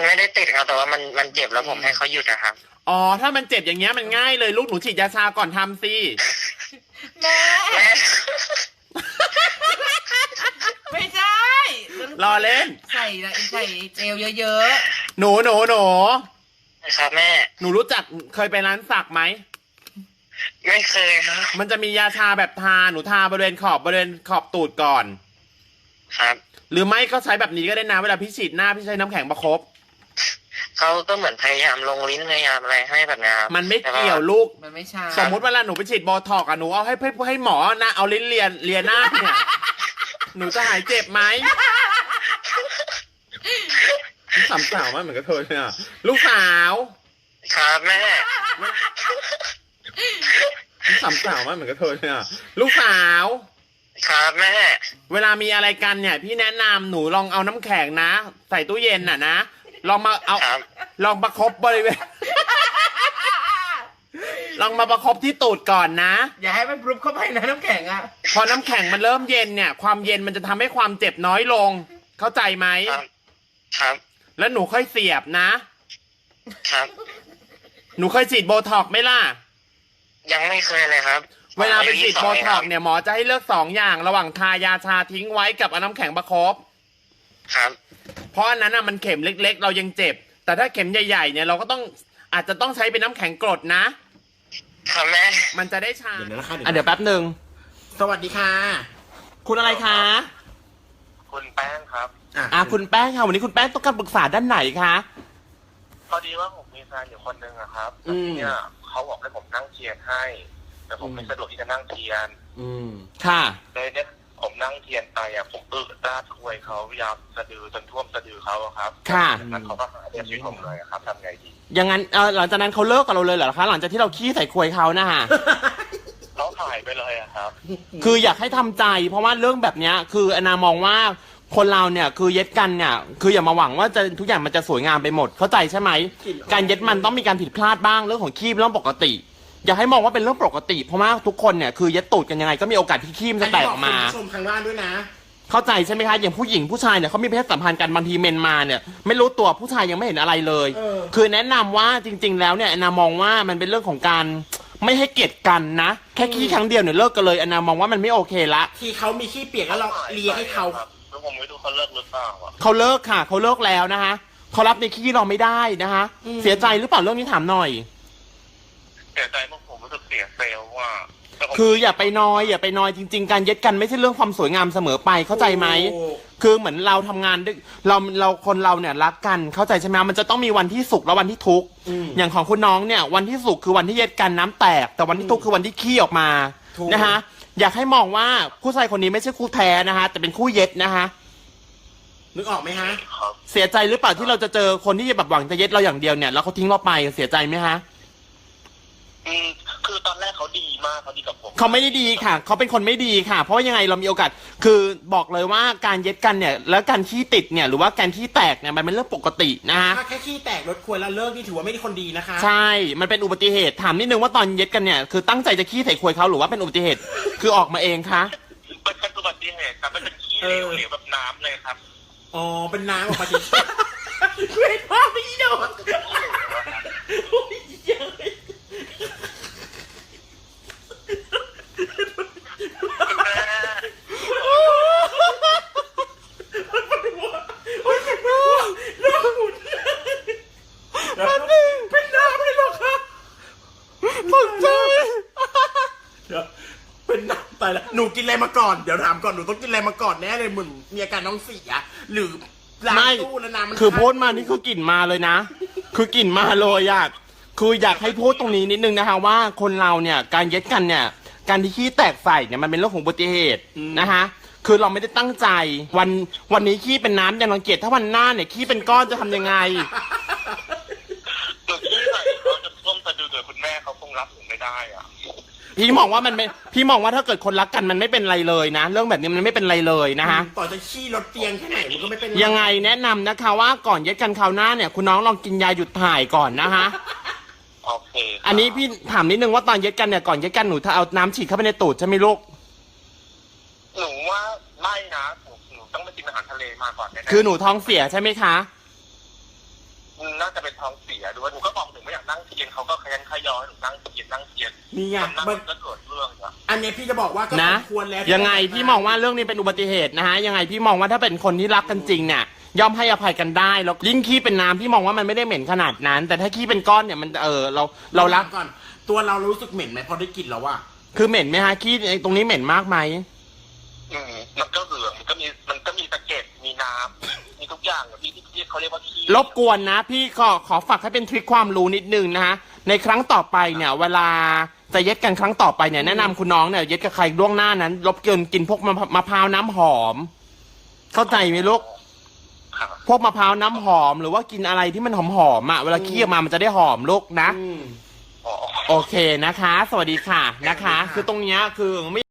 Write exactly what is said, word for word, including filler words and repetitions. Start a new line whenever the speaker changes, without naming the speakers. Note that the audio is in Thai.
ไม่ได้ติดครับแต่ว่ามันมันเจ็บแล้วผมให้เขาหยุดนะครับ
อ๋อถ้ามันเจ็บอย่างเงี้ยมันง่ายเลยลูกหนูฉีดยาชาก่อนทำสิ
แม่
แม่
ไม่ใช่
รอเล่น
ใส่ใส่เจลเยอะ
หนูหนูหนู
ครับแม่
หนูรู้จักเคยไปร้านสักไหม
ไม่เคยครับ
มันจะมียาชาแบบทาหนูทาบริเวณขอบบริเวณขอบตูดก่อน
ครับ
หรือไม่ก็ใช้แบบนี้ก็ได้นะเวลาพี่ฉีดหน้าพี่ใช้น้ำแข็งประคบ
เขาก็เหมือนพยายามลงลิ้นพยายามอะไรให้แบบนี้ครับ
มันไม่เกี่ยวลูก
ๆ มันไม่ใช่
สมมุติเวลาหนูไปฉีดโบท็อกซ์อะหนูเอาให้ให้ให้หมอนะเอาลิ้นเลียนเลียหน้าเนี่ย หนูจะหายเจ็บไหมสามสาวมากเหมือนกับเธอเลยอะลูกสาว
ครับแม่
สามสาวมากเหมือนกับเธอเลยอะลูกสาว
ครับแม่
เวลามีอะไรกันเนี่ย พี่แนะนำหนูลองเอาน้ำแข็งนะ ใส่ตู้เย็นน่ะนะลองมาเอา
ครับ
ลองประคบบริเวณ ลองมาประคบที่ตูดก่อนนะ
อย่าให้มันปรุบเข้าไปนะน้ำแข็งอ่ะ
พอน้ำแข็งมันเริ่มเย็นเนี่ย ความเย็นมันจะทำให้ความเจ็บน้อยลง เข้าใจไหม
ครับครับ
แล้วหนูค่อยเสียบนะ
ครับ
หนูเคยฉีดโบท็อกซ์ไหมล่ะ
ยังไม่เคยเลยครับ
เวลาไปฉีดโบท็อกซ์
เนี่ย
เนี่ยหมอจะให้เลือกสองอย่าง ระหว่างทายาชาทิ้งไว้กับเอาน้ำแข็งประคบ
ครับ
เพราะอันนั้นอ่ะมันเข็มเล็กๆ เรายังเจ็บ แต่ถ้าเข็มใหญ่ๆเนี่ยเราก็ต้องอาจจะต้องใช้เป็นน้ำแข็งกรดนะ
ครับแม่
มันจะได้ชา
เดี๋ยวนะคะ
อ่ะเดี๋ยวแป๊บหนึ่ง
สวัสดีค่ะ
คุณอะไรคะ
คุณแป้งครับ
อ่ะคุณแป้งค่ะวันนี้คุณแป้งต้องการปรึกษาด้านไหนคะ
พอดีว่าผมมีแฟนอยู่คนหนึ่งอะครับ
อืม
เนี่ยเขาบอกให้ผมนั่งเทียนให้ แต่ผมไม่สะดวกที่จะนั่งเทียน
อืม
ค่ะ
เลยเนี่ยผมนั่งเทียนไปอะผมอึดาดควยเขาพยายามสะดือจนท่วมสะดือเขาอะครับ
ค่ะ
จากนั้นเขาก็หาเรื่องชีวิตผมเลยอะครับทำไงดี
อย่างนั้นเออหลังจากนั้นเขาเลิกกับเราเลยเหรอคะ หลังจากที่เราขี้ใส่ควยเขานะฮะ
เขาหายไปเลยอะครับ
คืออยากให้ทำใจ เพราะว่าเรื่องแบบเนี้ยคืออนามองว่าคนเราเนี่ยคือเย็ดกันเนี่ยคืออย่ามาหวังว่าจะทุกอย่างมันจะสวยงามไปหมดเข้าใจใช่ไหมการเย็ดมันต้องมีการผิดพลาดบ้างเรื่องของขี้เป็นเรื่องปกติ อย่าให้มองว่าเป็นเรื่องปกติ เพราะว่าทุกคนเนี่ยคือเย็ดตูดกันยังไงก็มีโอกาสที่ขี้มันจะแตกออกมา
คุณผู้ชมทางบ้านด้วยนะ
เข้าใจใช่ไหมคะอย่างผู้หญิงผู้ชายเนี่ยเขามีเพศสัมพันธ์กันบางทีเมนมาเนี่ยไม่รู้ตัวผู้ชายยังไม่เห็นอะไรเลย
เออ
คือแนะนำว่าจริง ๆ แล้วเนี่ยอนามองว่ามันเป็นเรื่องของการไม่ให้เกลียดกันนะแค่ขี้ครั้งเดียวเนี่ยเลิกกันเลยอนามองว่ามันไม่โอเคละ
ที่เขามีขี้เปียกแล้วเราเลียให้เขา
แล้วผมไม่รู้เขาเลิกหรือเปล่าอะ
เขาเลิกค่ะเขาเลิกแล้วนะคะเขารับในขี้เราไม่ได้นะคะเสียใจหรือเปล่าเรื่องนี้ถามหน่อย
เสียใจมากผมรู้สึกเสียเซลล์ว่าแต่ผม
คืออย่าไปนอยอย่าไปนอยจริง ๆ การเย็ดกันไม่ใช่เรื่องความสวยงามเสมอไปเข้าใจไหม
โอ้
คือเหมือนเราทำงานด้วยเราเราคนเราเนี่ยรักกันเข้าใจใช่ไหมมันจะต้องมีวันที่สุขและวันที่ทุกข์
อืม
อย่างของคุณน้องเนี่ยวันที่สุขคือวันที่เย็ดกันน้ำแตก แต่วันที่ทุกข์คือวันที่ขี้ออกมา
ถูก
นะคะอยากให้มองว่าผู้ชายคนนี้ไม่ใช่คู่แท้นะคะแต่เป็นคู่เย็ดนะคะ
นึกออกไหมฮะ
ครับ
เสียใจหรือเปล่าที่เราจะเจอคนที่แบบหวังจะเย็ดเราอย่างเดียวเนี่ยแล้วเขาทิ้งเราไปเสียใจไหมฮะ
อืมคือตอนแรกเขาดีมากเขาดีกับผม
เขาไม่ได้ดีค่ะ เขาเป็นคนไม่ดีค่ะ เพราะว่ายังไงเรามีโอกาส คือบอกเลยว่าการเย็ดกันเนี่ย แล้วการขี้ติดเนี่ย หรือว่าการขี้แตกเนี่ย มันเป็นเรื่องปกตินะฮะ
ถ้าแค่ขี้แตกรถควรแล้วเลิกนี่ถือว่าไม่ได้คนดีนะคะ
ใช่ มันเป็นอุบัติเหตุ ถามนิดนึงว่าตอนเย็ดกันเนี่ย คือตั้งใจจะขี้ใส่ควยเขาหรือว่าเป็นอุบัติเหตุ คือออกมาเองคะ
มันเป็นอุบัติเหตุครับมันเป็นขี้เหลวเหลวแบบน้ำเลยครับ
อ๋อ เป็นน้ำออกมาที
เว้ยพ่อไม่โดน
โอ้ยเย้ย
คุณแม่
เป็นน้ำเลยเหรอคะ
ตกใจ
เดี๋ยวเป็นน้ำตายแล้วหนูกินอะไรมาก่อน เดี๋ยวถามก่อน หนูต้องกินอะไรมาก่อนแน่เลยเหมือนมีอาการน้องเสียหรือล้าง
ไม่
ตู้แล้วน้ำมัน
คือพูดมานี่คือกลิ่นมาเลยนะ คือกลิ่นมาเลยอะคืออยากให้พูดตรงนี้นิดนึงนะคะว่าคนเราเนี่ยการเย็ดกันเนี่ย การที่ขี้แตกใส่เนี่ยมันเป็นเรื่องของอุบัติเหตุนะคะคือเราไม่ได้ตั้งใจวันวันนี้ขี้เป็นน้ำยังรังเกียจถ้าวันหน้าเนี่ยขี้เป็นก้อนจะทำยังไง
หนูขี้ใส่เขาจะท่วมสะดือเกิดคุณแม่เขาคงรับผมไม่ได้อ่ะ
พี่มองว่ามันไม่พี่มองว่าถ้าเกิดคนรักกันมันไม่เป็นไรเลยนะ เรื่องแบบนี้มันไม่เป็นไรเลยนะคะ
ต่อจะขี้รถเตียงแค่ไหนมันก็ไม่เป็นไร
ยังไงแนะนำนะคะว่าก่อนเย็ดกันคราวหน้าเนี่ยคุณน้องลองกินยาหยุดถ่ายก่อนนะคะ
โอเคครับ
อันนี้พี่ถามนิดนึงว่าตอนเย็ดกันเนี่ยก่อนเย็ดกันหนูถ้าเอาน้ำฉีดเข้าไปในตูดใช่ไหมลูก
หนูว่าไม่นะหนูหนูต้องไปกินอาหารทะเลมาก่อนแน่ๆ
คือหนูท้องเสียใช่ไหมคะ
น่าจะเป็นท้องเสียด้วยหนูก็บอกหนูไม่อยากนั่งเทียนเขาก็ขยันขยอให้หนูนั่งเทียนนั่งเทียน
นี่ไง
นั่ง
มัน
ก็เกิดเรื่องอะ
อันนี้พี่จะบอกว่าก็
นะ
สมควรแล้ว
ยังไงพี่มองว่าเรื่องนี้เป็นอุบัติเหตุนะฮะยังไงพี่มองว่าถ้าเป็นคนที่รักกันจริงเนี่ยย่อมให้อภัยกันได้แล้วยิ่งขี้เป็นน้ำพี่มองว่ามันไม่ได้เหม็นขนาดนั้น แต่ถ้าขี้เป็นก้อนเนี่ยมันเออเราเรารัก
ก่อน ตัวเรารู้สึกเหม็นไหมพอได้กลิ่นแล้วว่า
คือเหม็นไหมฮะขี้ตรงนี้เหม็นมากไหม
อืมมันก็เหลืองมันก็มีมันก็มีตะเก็บมีน้ำมีทุกอย่างอะพี่ที่เขาเรียกว่าขี้
รบกวนนะ พี่ขอขอฝากให้เป็นทริคความรู้นิดนึงนะฮะในครั้งต่อไปเนี่ย เวลาจะเย็ดกันครั้งต่อไปเนี่ยแนะนำคุณน้องเนี่ยเย็ดกับใครล่วงหน้านั้นรบกวนกินพวกมะมะพร้าวน้ำหอม เข้าใจไหมลูก
ค่ะ
พวกมะพร้าวน้ำหอมหรือว่ากินอะไรที่มันหอมหอมๆอ่ะเวลาขี้ออกมามันจะได้หอมลูกนะ
อืม
อ๋อ
โอเคนะคะ สวัสดีค่ะนะคะ คือตรงเนี้ยคือไม่